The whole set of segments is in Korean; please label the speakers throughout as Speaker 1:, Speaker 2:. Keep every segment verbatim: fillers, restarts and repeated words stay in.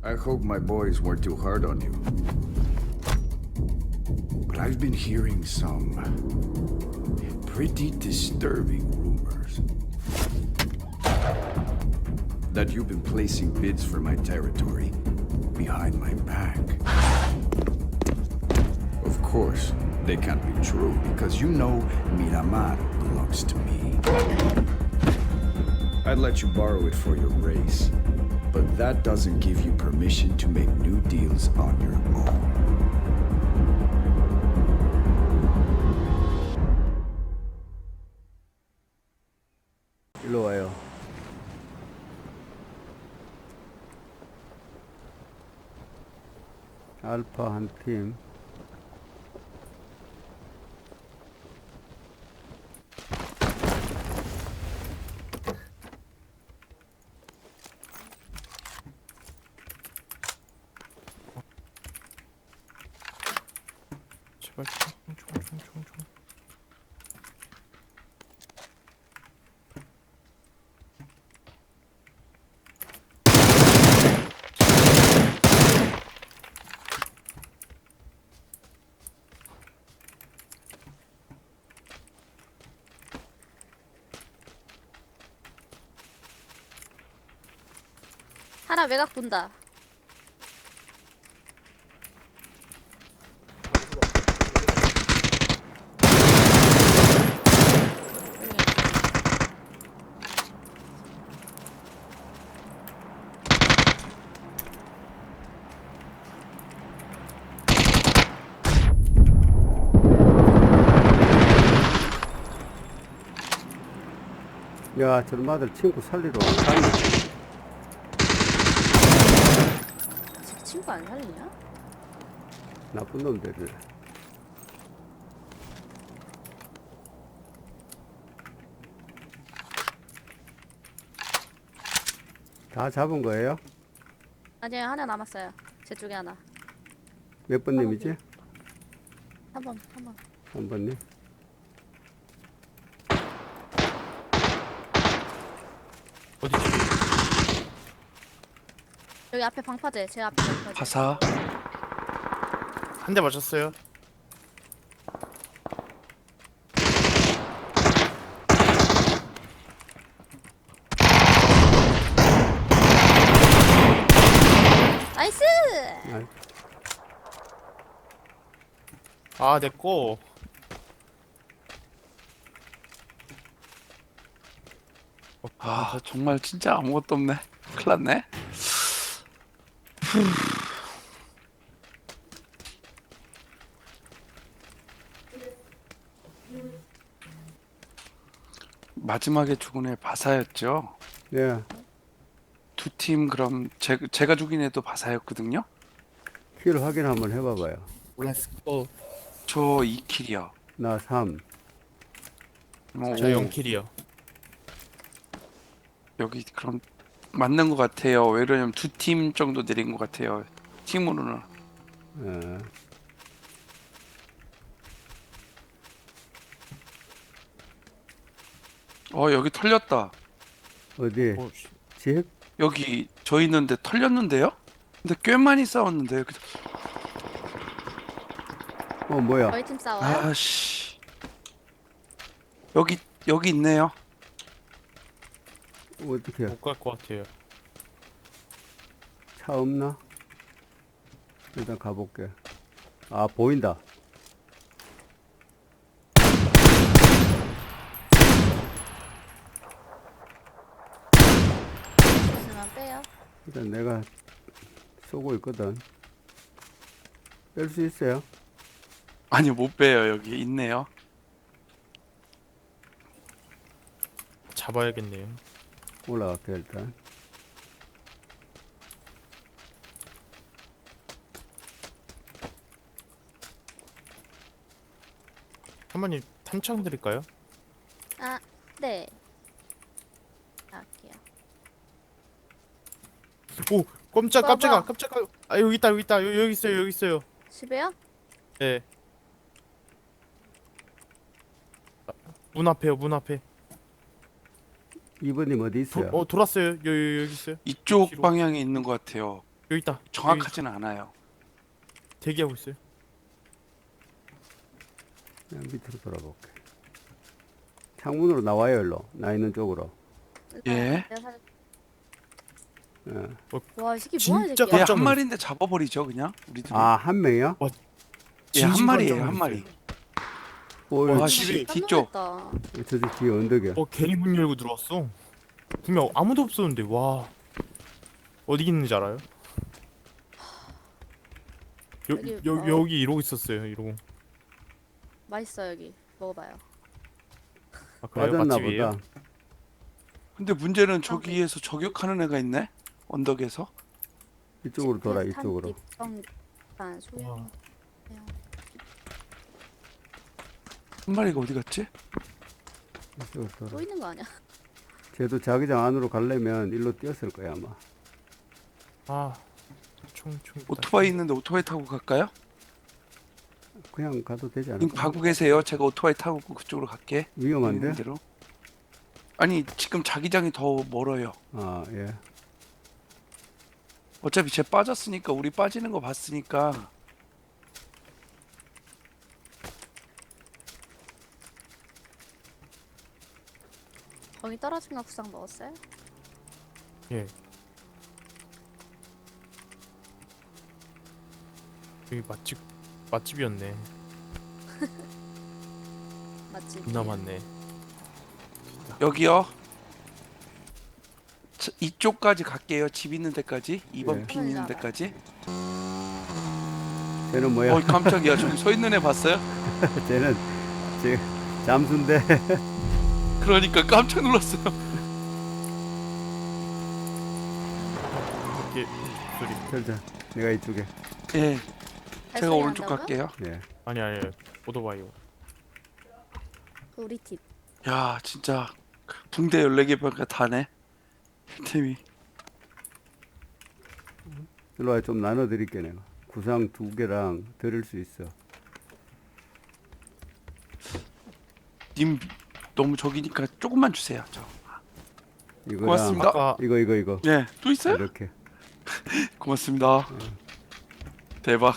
Speaker 1: I hope my boys weren't too hard on you. But I've been hearing some pretty disturbing rumors that you've been placing bids for my territory behind my back. Of course, they can't be true because you know Miramar belongs to me. I'd let you borrow it for your race, but that doesn't give you permission to make new deals on your own.
Speaker 2: 일로 와요. 알파 한 팀.
Speaker 3: 제발 총총총총총.
Speaker 4: 하나 외곽 본다.
Speaker 2: 야, 저런 아들 친구 살리러 가네.
Speaker 4: 제 친구 안 살리냐?
Speaker 2: 나쁜 놈들을. 다 잡은 거예요?
Speaker 4: 아니요, 하나 남았어요. 제 쪽에 하나.
Speaker 2: 몇 번님이지?
Speaker 4: 한 번, 한 번.
Speaker 2: 한 번님.
Speaker 3: 어디지?
Speaker 4: 여기 앞에 방파제. 제 앞에 방파제.
Speaker 3: 가사. 한 대 맞췄어요.
Speaker 4: 나이스!
Speaker 2: 아,
Speaker 3: 아, 내꺼.
Speaker 5: 아 정말 진짜 아무것도 없네. 큰일 났네. 마지막에 죽은 애 바사였죠.
Speaker 2: 예.
Speaker 5: 두 팀 그럼 제, 제가 죽인 애도 바사였거든요.
Speaker 2: 킬 확인 한번 해봐봐요.
Speaker 3: 렛츠고.
Speaker 5: 저 이 킬이요.
Speaker 2: 나 삼.
Speaker 5: 뭐,
Speaker 3: 저 영 킬이요.
Speaker 5: 여기 그럼 맞는 것 같아요. 왜 그러냐면 두 팀 정도 내린 것 같아요. 팀으로는.
Speaker 2: 예.
Speaker 5: 어 여기 털렸다.
Speaker 2: 어디?
Speaker 3: 오, 씨.
Speaker 2: 집?
Speaker 5: 여기 저 있는데 털렸는데요? 근데 꽤 많이 싸웠는데 여기.
Speaker 2: 어, 뭐야?
Speaker 4: 저희 팀 싸워요?
Speaker 5: 아씨. 여기 여기 있네요.
Speaker 2: 어떻게?
Speaker 3: 못 갈 것 같아요.
Speaker 2: 차 없나? 일단 가볼게. 아, 보인다.
Speaker 4: 있으면 빼요.
Speaker 2: 일단 내가 쏘고 있거든. 뺄 수 있어요?
Speaker 5: 아니 못 빼요. 여기 있네요.
Speaker 3: 잡아야겠네요.
Speaker 2: 올라갈게, 일단.
Speaker 3: 한번님 탄창 드릴까요?
Speaker 4: 아, 네. 할게요.
Speaker 3: 오, 깜짝
Speaker 4: 뭐야,
Speaker 3: 깜짝아
Speaker 4: 뭐야?
Speaker 3: 깜짝아. 아, 여기 있다 여기 있다. 여기, 여기 있어요 여기 있어요.
Speaker 4: 집에요?
Speaker 3: 네. 아, 문 앞에요 문 앞에.
Speaker 2: 이번님 어디
Speaker 3: 도,
Speaker 2: 있어요?
Speaker 3: 어 돌았어요. 여기 여기 있어요.
Speaker 5: 이쪽
Speaker 3: 뒤로.
Speaker 5: 방향에 있는 것 같아요.
Speaker 3: 여기 있다. 여기
Speaker 5: 정확하지는 않아요.
Speaker 3: 대기하고 있어요.
Speaker 2: 그냥 밑으로 돌아볼게. 창문으로 나와요, 일로. 나 있는 쪽으로.
Speaker 5: 예.
Speaker 4: 내가 살...
Speaker 2: 예.
Speaker 4: 와, 이 새끼 뭐하는
Speaker 3: 진짜
Speaker 4: 새끼야?
Speaker 5: 얘
Speaker 3: 깜짝
Speaker 5: 한
Speaker 3: 놀랐어.
Speaker 5: 마리인데 잡아버리죠 그냥 우리들.
Speaker 2: 아, 한 명이요?
Speaker 5: 예, 한
Speaker 3: 진심
Speaker 5: 마리예요
Speaker 3: 깜짝
Speaker 5: 한 마리.
Speaker 2: 오,
Speaker 5: 와,
Speaker 2: 저
Speaker 5: 씨. 집이
Speaker 4: 깜짝
Speaker 5: 뒤쪽.
Speaker 4: 놀랐다.
Speaker 2: 저 뒤에 언덕이야.
Speaker 3: 어 괜히 문 열고 들어왔어. 분명 아무도 없었는데 와 어디 있는지 알아요? 여,
Speaker 4: 여기,
Speaker 3: 여,
Speaker 4: 어.
Speaker 3: 여기 이러고 있었어요. 이러고.
Speaker 4: 맛있어 여기. 먹어봐요.
Speaker 3: 아 그래요?
Speaker 2: 빠졌나
Speaker 3: 맛집이에요?
Speaker 2: 보다.
Speaker 5: 근데 문제는 저기에서 저격하는 애가 있네. 언덕에서.
Speaker 2: 이쪽으로 돌아,
Speaker 4: 집회,
Speaker 2: 이쪽으로.
Speaker 4: 탄, 뒷방, 소형.
Speaker 3: 와.
Speaker 4: 소형.
Speaker 5: 한 마리가 어디 갔지?
Speaker 2: 이쪽으로
Speaker 4: 또
Speaker 2: 돌아.
Speaker 4: 있는 거 아니야?
Speaker 2: 쟤도 자기장 안으로 가려면 일로 뛰었을 거야, 아마.
Speaker 3: 아 총총.
Speaker 5: 오토바이 있는데 오토바이 타고 갈까요?
Speaker 2: 그냥 가도 되지
Speaker 5: 님
Speaker 2: 않을까?
Speaker 5: 가고 계세요. 제가 오토바이 타고 그쪽으로 갈게.
Speaker 2: 위험한데?
Speaker 5: 있는 대로. 아니 지금 자기장이 더 멀어요.
Speaker 2: 아, 예.
Speaker 5: 어차피 쟤 빠졌으니까 우리 빠지는 거 봤으니까.
Speaker 4: 거기 떨어진 거 구상 먹었어요?
Speaker 3: 예. 여기 맛집 맛집이었네.
Speaker 4: 맞지?
Speaker 3: 존나 많네.
Speaker 5: 여기요. 저, 이쪽까지 갈게요. 집 있는 데까지. 이 번
Speaker 2: 예.
Speaker 5: 핀 있는 데까지.
Speaker 2: 쟤는 뭐야?
Speaker 5: 어 깜짝이야. 저기 서 있는 애 봤어요?
Speaker 2: 쟤는 쟤 잠수인데.
Speaker 5: 그러니까 깜짝 놀랐어요.
Speaker 3: 이렇게 소리.
Speaker 2: 절자. 내가 이쪽에.
Speaker 5: 예. 제가
Speaker 4: 발소리
Speaker 5: 오른쪽
Speaker 4: 난다고요?
Speaker 5: 갈게요.
Speaker 2: 예.
Speaker 3: 아니 아니 오토바이요.
Speaker 4: 그 우리 팀.
Speaker 5: 야 진짜 붕대 열네 개 밖에 다네. 팀이.
Speaker 2: 일로 와, 좀 나눠드릴게, 내가. 구상 두 개랑 드릴 수 있어.
Speaker 5: 님 너무 적이니까 조금만 주세요. 저.
Speaker 2: 이거랑.
Speaker 5: 고맙습니다.
Speaker 3: 아까
Speaker 2: 이거, 이거, 이거.
Speaker 5: 예. 또 있어요?
Speaker 2: 이렇게.
Speaker 5: 고맙습니다. 대박.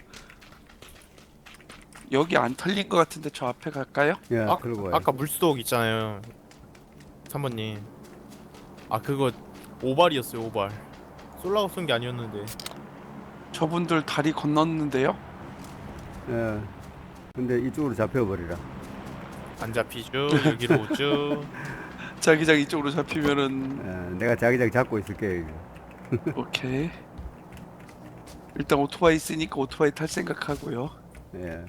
Speaker 5: 여기 안 털린 것 같은데 저 앞에 갈까요?
Speaker 2: 예,
Speaker 3: 아,
Speaker 2: 그러고 와요.
Speaker 3: 아까 물속 있잖아요. 삼 번님. 아 그거 오발이었어요 오발. 쏠라고 쏜 게 아니었는데.
Speaker 5: 저분들 다리 건넜는데요.
Speaker 2: 예. 근데 이쪽으로 잡혀버리라.
Speaker 3: 안 잡히죠. 여기로 오죠.
Speaker 5: 자기장 이쪽으로 잡히면은
Speaker 2: 예, 내가 자기장 잡고 있을게. 이거.
Speaker 5: 오케이. 일단 오토바이 있으니까 오토바이 탈 생각하고요.
Speaker 2: 예.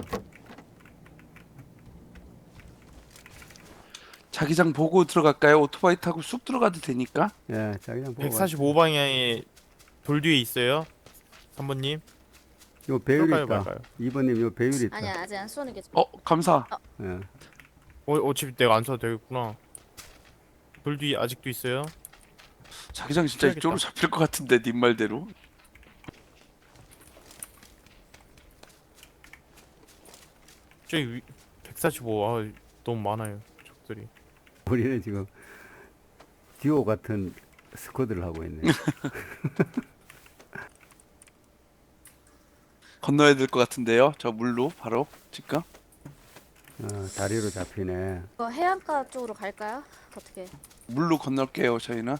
Speaker 5: 자기장 보고 들어갈까요? 오토바이 타고 쑥 들어가도 되니까.
Speaker 2: 예, 자기장 보고.
Speaker 3: 백사십오 방향에 돌 뒤에 있어요. 삼 번님.
Speaker 2: 요 배율이
Speaker 3: 쏠까요,
Speaker 2: 있다.
Speaker 3: 말까요?
Speaker 2: 이 번님 요 배율이 있다.
Speaker 4: 아니야 아직 안 쏘는 게 좋아.
Speaker 5: 어 감사.
Speaker 2: 예.
Speaker 3: 어 어차피 내가 안 써도 되겠구나. 돌 뒤에 아직도 있어요.
Speaker 5: 자기장 진짜
Speaker 3: 해야겠다.
Speaker 5: 이쪽으로 잡힐 것 같은데 님 말대로.
Speaker 3: 저기 위, 백사십오. 아 너무 많아요 적들이.
Speaker 2: 우리는 지금 듀오 같은 스쿼드를 하고 있네.
Speaker 5: 건너야 될 것 같은데요. 저 물로 바로 지금.
Speaker 2: 어, 다리로 잡히네.
Speaker 4: 이거 해안가 쪽으로 갈까요? 어떻게?
Speaker 5: 물로 건널게요. 저희는.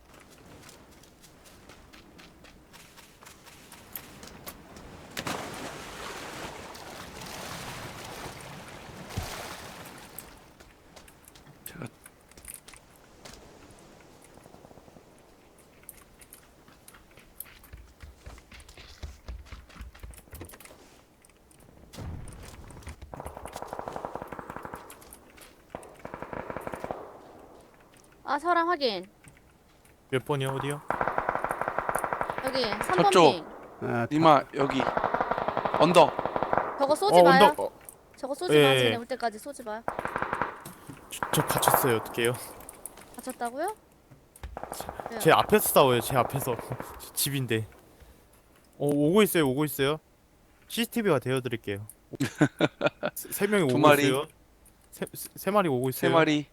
Speaker 5: 제가
Speaker 4: 아 사람 확인.
Speaker 3: 몇 번이요 어디요?
Speaker 4: 여기 삼 번
Speaker 5: 저쪽.
Speaker 4: 핑.
Speaker 2: 아,
Speaker 5: 니마 여기 언덕.
Speaker 4: 저거 쏘지
Speaker 3: 어
Speaker 4: 마요.
Speaker 3: 언덕. 어,
Speaker 4: 저거 쏘지
Speaker 3: 예,
Speaker 4: 마.
Speaker 3: 예.
Speaker 4: 쟤네 올 때까지 쏘지 마요.
Speaker 3: 저, 저 갇혔어요 어떡해요?
Speaker 4: 다쳤다고요? 네.
Speaker 3: 제 앞에서 싸워요. 제 앞에서. 집인데. 어 오고 있어요 오고 있어요. 씨씨티비가 되어드릴게요. 세, 세 명이
Speaker 5: 두
Speaker 3: 오고
Speaker 5: 마리.
Speaker 3: 있어요. 세, 세, 세 마리 오고 있어요.
Speaker 5: 세 마리.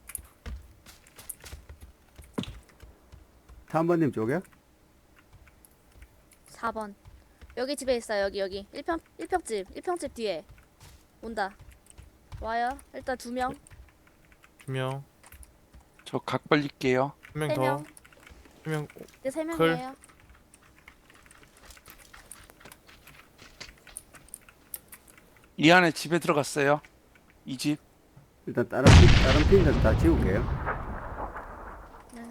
Speaker 2: 삼 번님 쪽에?
Speaker 4: 사 번. 여기 집에 있어요. 여기 여기. 일 평 일 평집. 일 평집 뒤에. 온다. 와요. 일단 두 명.
Speaker 3: 두 명,
Speaker 5: 저 각 벌릴게요.
Speaker 3: 한 명
Speaker 4: 세
Speaker 3: 더,
Speaker 4: 명.
Speaker 3: 한 명.
Speaker 4: 이제 세
Speaker 3: 클.
Speaker 4: 명이에요.
Speaker 5: 이 안에 집에 들어갔어요. 이 집.
Speaker 2: 일단 다른 핀, 다른 핀들 다 지울게요.
Speaker 4: 네.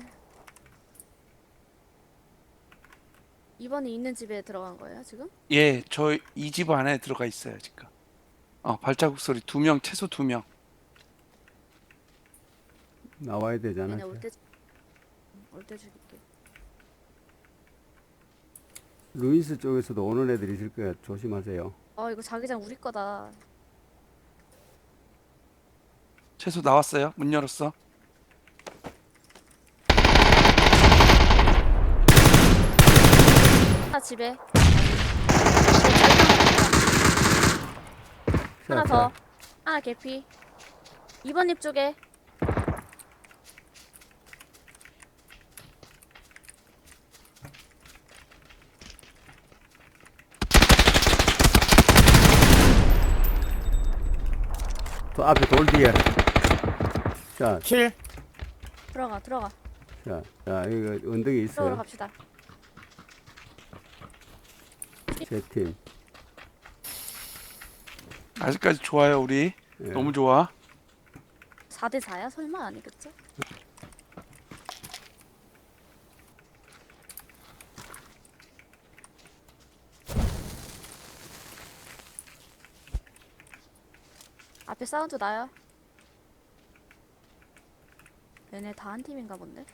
Speaker 4: 이번에 있는 집에 들어간 거예요, 지금?
Speaker 5: 예, 저 이 집 안에 들어가 있어요 지금. 어, 발자국 소리 두 명, 최소 두 명.
Speaker 2: 나와야 되잖아.
Speaker 4: 얘네 올때 올때 죽일게.
Speaker 2: 루이스 쪽에서도 오는 애들이 있을 거야. 조심하세요.
Speaker 4: 어, 이거 자기장 우리 거다.
Speaker 5: 최소 나왔어요. 문 열었어.
Speaker 4: 하나 집에.
Speaker 2: 자,
Speaker 4: 하나
Speaker 2: 자,
Speaker 4: 더. 하나 개피. 이 번 립 쪽에.
Speaker 2: 또 앞에 돌 뒤에. 자,
Speaker 3: 킬.
Speaker 4: 들어가, 들어가.
Speaker 2: 자, 자, 이거 언덕에
Speaker 4: 들어가러
Speaker 2: 있어요.
Speaker 4: 갑시다.
Speaker 2: 세 팀.
Speaker 5: 아직까지 좋아요 우리.
Speaker 2: 예.
Speaker 5: 너무 좋아.
Speaker 4: 사 대 사야? 설마 아니겠죠? 앞에 사운드 나요? 얘네 다 한 팀인가 본데?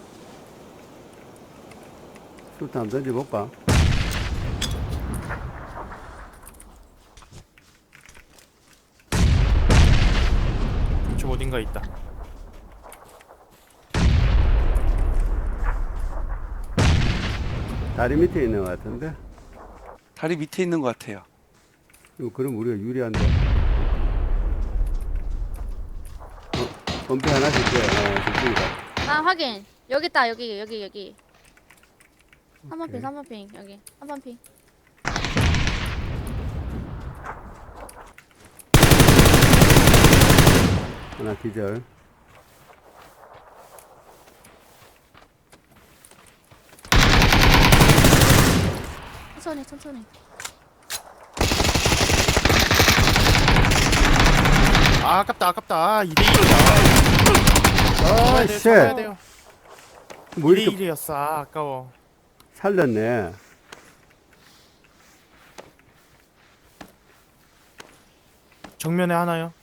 Speaker 2: 수트 한번 던져볼까?
Speaker 3: 저 어딘가 있다.
Speaker 2: 다리 밑에 있는 것 같은데?
Speaker 5: 다리 밑에 있는 것 같아요.
Speaker 2: 이거 그럼 우리가 유리한데. 어, 범패 하나씩 돼. 어, 좋습니다.
Speaker 4: 아 확인. 여기 있다. 여기 여기 여기. 삼 번 핑,
Speaker 2: 오케이.
Speaker 4: 삼 번 핑. 여기. 삼 번 핑.
Speaker 2: 하나 기절.
Speaker 4: 천천히 천천히.
Speaker 3: 아, 아깝다, 아깝다. 아, 이 대 일이야.
Speaker 2: 아,
Speaker 3: 돼요,
Speaker 2: 쉣.
Speaker 3: 잡아야 돼요.
Speaker 2: 뭐
Speaker 3: 이 대
Speaker 2: 이렇게
Speaker 3: 일이었어. 아, 아까워.
Speaker 2: 살렸네.
Speaker 3: 정면에 하나요.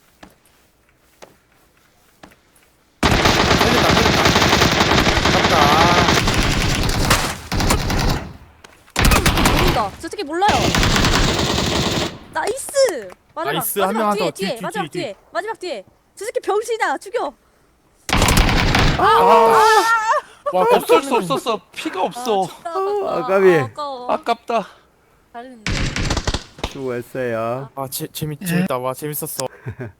Speaker 3: 살렸다, 살렸다. 아깝다.
Speaker 4: 모른다. 저 새끼 몰라요. 나이스. 마지막.
Speaker 3: 나이스. 한
Speaker 4: 마지막
Speaker 3: 명만
Speaker 4: 뒤에
Speaker 3: 더.
Speaker 4: 뒤에
Speaker 3: 뒤, 뒤,
Speaker 4: 마지막
Speaker 3: 뒤,
Speaker 4: 뒤에 마지막 뒤에. 저 새끼 병신아. 죽여.
Speaker 3: 아, 와,
Speaker 5: 없을 수 없었어. 피가 없어.
Speaker 4: 죽다,
Speaker 2: 아,
Speaker 4: 아깝다.
Speaker 2: 아깝이.
Speaker 4: 아, 아까워.
Speaker 5: 아깝다.
Speaker 4: 잘했는데.
Speaker 2: 수고했어요.
Speaker 3: 아, 재, 재밌, 재밌다. 와, 재밌었어.